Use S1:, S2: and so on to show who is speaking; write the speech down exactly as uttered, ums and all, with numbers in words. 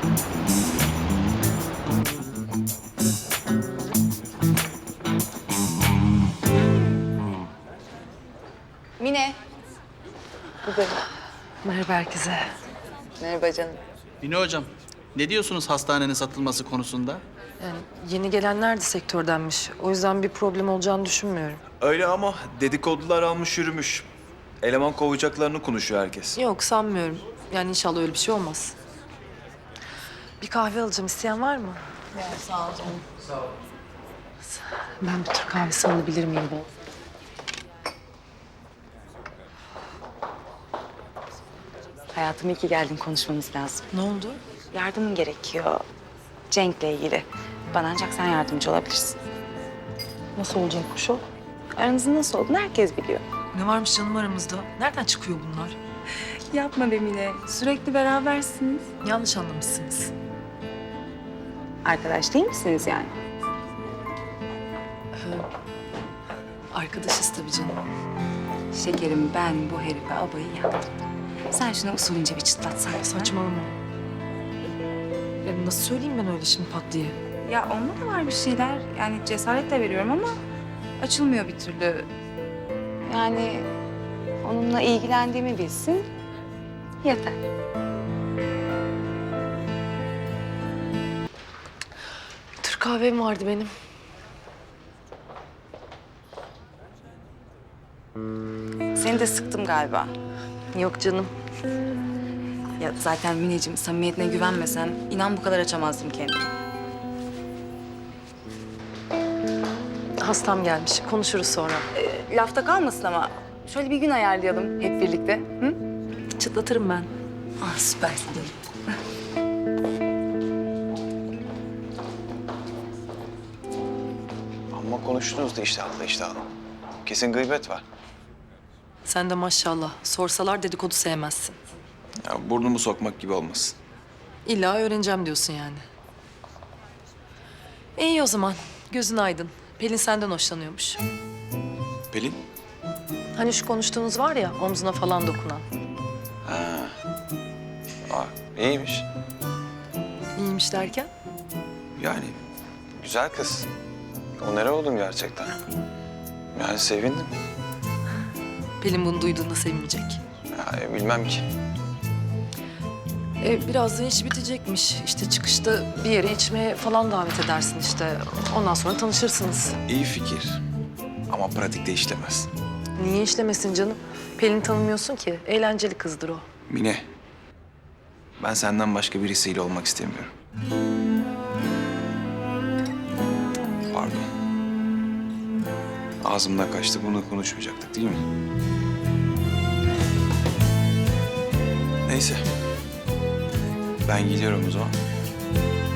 S1: Mine.
S2: Merhaba herkese.
S1: Merhaba canım.
S3: Mine hocam, ne diyorsunuz hastanenin satılması konusunda?
S2: Yani yeni gelenler de sektördenmiş. O yüzden bir problem olacağını düşünmüyorum.
S4: Öyle ama dedikodular almış yürümüş. Eleman kovacaklarını konuşuyor herkes.
S2: Yok sanmıyorum. Yani inşallah öyle bir şey olmaz. Bir kahve alacağım. İsteyen var mı?
S1: Sağ ol canım.
S2: Ben bir Türk kahvesi alabilir miyim bol?
S1: Hayatım iyi ki geldin, konuşmamız lazım.
S2: Ne oldu?
S1: Yardımın gerekiyor. Cenk'le ilgili. Bana ancak sen yardımcı olabilirsin.
S2: Nasıl olacakmış o?
S1: Aranızın nasıl olduğunu herkes biliyor.
S2: Ne varmış canım aramızda? Nereden çıkıyor bunlar?
S1: Yapma be Mine. Sürekli berabersiniz.
S2: Yanlış anlamışsınız.
S1: Arkadaş değil misiniz yani?
S2: Arkadaşız tabii canım.
S1: Şekerim, ben bu herife abayı yaktım. Sen şunu usulünce bir çıtlatsan.
S2: Saçmalama. Ya nasıl söyleyeyim ben öyle şimdi pat diye?
S1: Ya onda da var bir şeyler. Yani cesaretle veriyorum ama açılmıyor bir türlü. Yani onunla ilgilendiğimi bilsin yeter.
S2: Türk kahvem vardı benim.
S1: Seni de sıktım galiba.
S2: Yok canım.
S1: Ya zaten Mineciğim, samimiyetine güvenmesen inan bu kadar açamazdım kendimi.
S2: Hastam gelmiş. Konuşuruz sonra.
S1: E, lafta kalmasın ama şöyle bir gün ayarlayalım hep birlikte. Hı?
S2: Çıtlatırım ben.
S1: Ah süpersin canım.
S4: Ama konuştunuz da iştahlı iştahlı. Kesin gıybet var.
S2: Sen de maşallah. Sorsalar dedikodu sevmezsin.
S4: Ya burnumu sokmak gibi olmasın.
S2: İlla öğreneceğim diyorsun yani. İyi o zaman. Gözün aydın. Pelin senden hoşlanıyormuş.
S4: Pelin?
S2: Hani şu konuştuğunuz var ya, omzuna falan dokunan.
S4: Ha. Aa, iyiymiş.
S2: İyiymiş derken?
S4: Yani güzel kız. O nereye oldum gerçekten? Yani sevindim.
S2: Pelin bunu duyduğunda sevinecek.
S4: Ya, e, bilmem ki.
S2: E, birazdan iş bitecekmiş. İşte çıkışta bir yere içmeye falan davet edersin işte. Ondan sonra tanışırsınız.
S4: İyi fikir. Ama pratikte işlemez.
S2: Niye işlemesin canım? Pelin'i tanımıyorsun ki. Eğlenceli kızdır o.
S4: Mine, ben senden başka birisiyle olmak istemiyorum. Pardon. Ağzımdan kaçtı, bunu konuşmayacaktık değil mi? Neyse. Ben gidiyorum o zaman.